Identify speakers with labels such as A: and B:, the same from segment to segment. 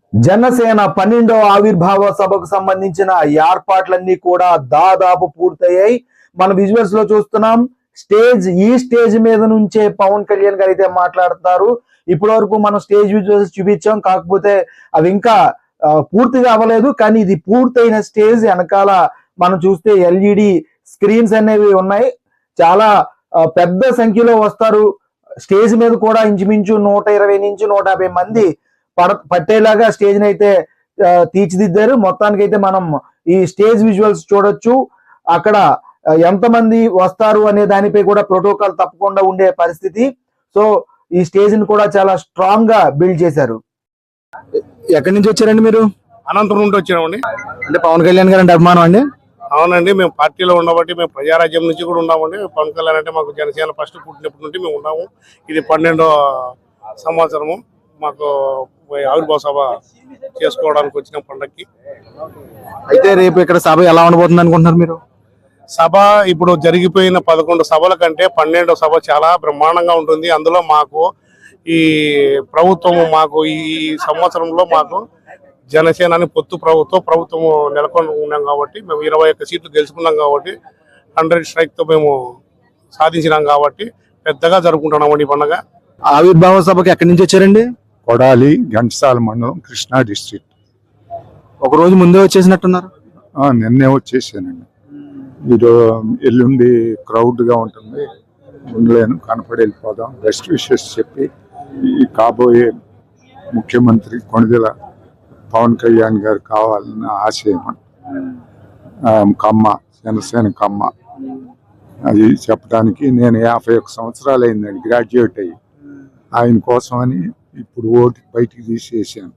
A: జనసేన 12వ ఆవిర్భావ సభకు సంబంధించిన ఏర్పాట్లన్నీ కూడా దాదాపు పూర్తయ్యాయి. మన విజువల్స్ లో చూస్తున్నాం. ఈ స్టేజ్ మీద నుంచే పవన్ కళ్యాణ్ గారు అయితే మాట్లాడుతున్నారు. ఇప్పటి వరకు మనం స్టేజ్ విజువల్స్ చూపించాం, కాకపోతే అవి ఇంకా పూర్తిగా అవ్వలేదు. కానీ ఇది పూర్తయిన స్టేజ్ వెనకాల మనం చూస్తే ఎల్ఈడి స్క్రీన్స్ అనేవి ఉన్నాయి. చాలా పెద్ద సంఖ్యలో వస్తారు. స్టేజ్ మీద కూడా ఇంచుమించు 120 నుంచి 150 మంది పట్టేలాగా స్టేజ్ అయితే తీర్చిదిద్దారు. మొత్తానికి అయితే మనం ఈ స్టేజ్ విజువల్స్ చూడొచ్చు. అక్కడ ఎంతమంది వస్తారు అనే దానిపై కూడా ప్రోటోకాల్ తప్పకుండా ఉండే పరిస్థితి. సో ఈ స్టేజ్ ని కూడా చాలా స్ట్రాంగ్ గా బిల్డ్ చేశారు. ఎక్కడి నుంచి వచ్చారండి మీరు?
B: అనంతపురం నుండి వచ్చామండి.
A: అంటే పవన్ కళ్యాణ్ గారు అంటే అభిమానం అండి?
B: అవునండి, మేము పార్టీలో ఉండబట్టి మేము ప్రజారాజ్యం నుంచి కూడా ఉన్నామండి. పవన్ కళ్యాణ్ అంటే మాకు జనసేన ఫస్ట్ పుట్టినప్పటి నుండి మేము ఉన్నాము. ఇది 12వ సంవత్సరము మాకు ఆవిర్భావ సభ చేసుకోవడానికి వచ్చిన పండక్కి.
A: అయితే రేపు ఇక్కడ సభ ఎలా ఉండబోతుంది అనుకుంటున్నారు మీరు?
B: సభ ఇప్పుడు జరిగిపోయిన 11 సభల కంటే 12వ సభ చాలా బ్రహ్మాండంగా ఉంటుంది. అందులో మాకు ఈ ప్రభుత్వము మాకు ఈ సంవత్సరంలో మాకు జనసేన పొత్తు ప్రభుత్వం నెలకొని ఉన్నాం కాబట్టి మేము 21 సీట్లు గెలుచుకున్నాం కాబట్టి 100 స్ట్రైక్ తో మేము సాధించినాం కాబట్టి పెద్దగా జరుపుకుంటున్నామండి ఈ పండుగ.
A: ఆవిర్భావ సభకి ఎక్కడి నుంచి వచ్చారండి?
C: కొడాలి, ఘంటసాల మండలం, కృష్ణా డిస్ట్రిక్ట్.
A: ఒక రోజు ముందే వచ్చేసినట్టున్నారు?
C: నిన్నే వచ్చేసానండి. ఎల్లుండి క్రౌడ్ గా ఉంటుంది, ఉండలేను, కనపడి వెళ్ళిపోదాం. బెస్ట్ విషెస్ చెప్పి ఈ కాబోయే ముఖ్యమంత్రి కొణిదెల పవన్ కళ్యాణ్ గారు కావాలన్న ఆశయం. కమ్మ, జనసేన కమ్మ, అది చెప్పడానికి నేను 51 సంవత్సరాలు అయిందండి గ్రాడ్యుయేట్ అయ్యి. ఆయన కోసం అని ఇప్పుడు ఓటు బయటికి తీసేసాను.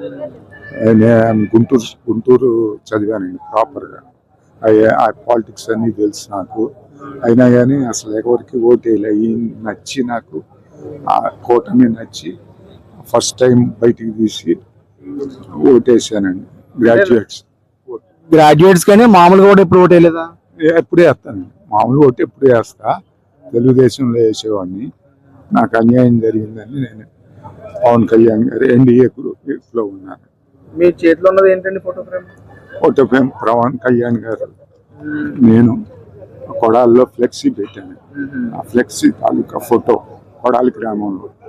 C: నేను గుంటూరు చదివానండి ప్రాపర్గా. ఆ పాలిటిక్స్ అన్నీ తెలుసు నాకు. అయినా కానీ అసలు ఎవరికి ఓటేయాలి. నచ్చి నాకు ఆ కూటమి నచ్చి ఫస్ట్ టైం బయటికి తీసి ఓటేసానండి.
A: గ్రాడ్యుయేట్స్ కానీ మామూలుగా కూడా ఎప్పుడు ఓటేయలేదా?
C: ఎప్పుడే వేస్తానండి. మామూలు ఓటు ఎప్పుడే వేస్తా. తెలుగుదేశంలో వేసేవాడిని. నాకు అన్యాయం జరిగిందని నేను పవన్ కళ్యాణ్ గారు ఎన్డీఏ గ్రూప్ లో ఉన్నాను.
A: మీ చేతిలో ఉన్నది ఏంటండి? ఫోటో ఫ్రేమ్
C: పవన్ కళ్యాణ్ గారు. నేను కొడాల్లో ఫ్లెక్సీ పెట్టాను. ఆ ఫ్లెక్సీ తాలూకా ఫోటో కొడాలి గ్రామంలో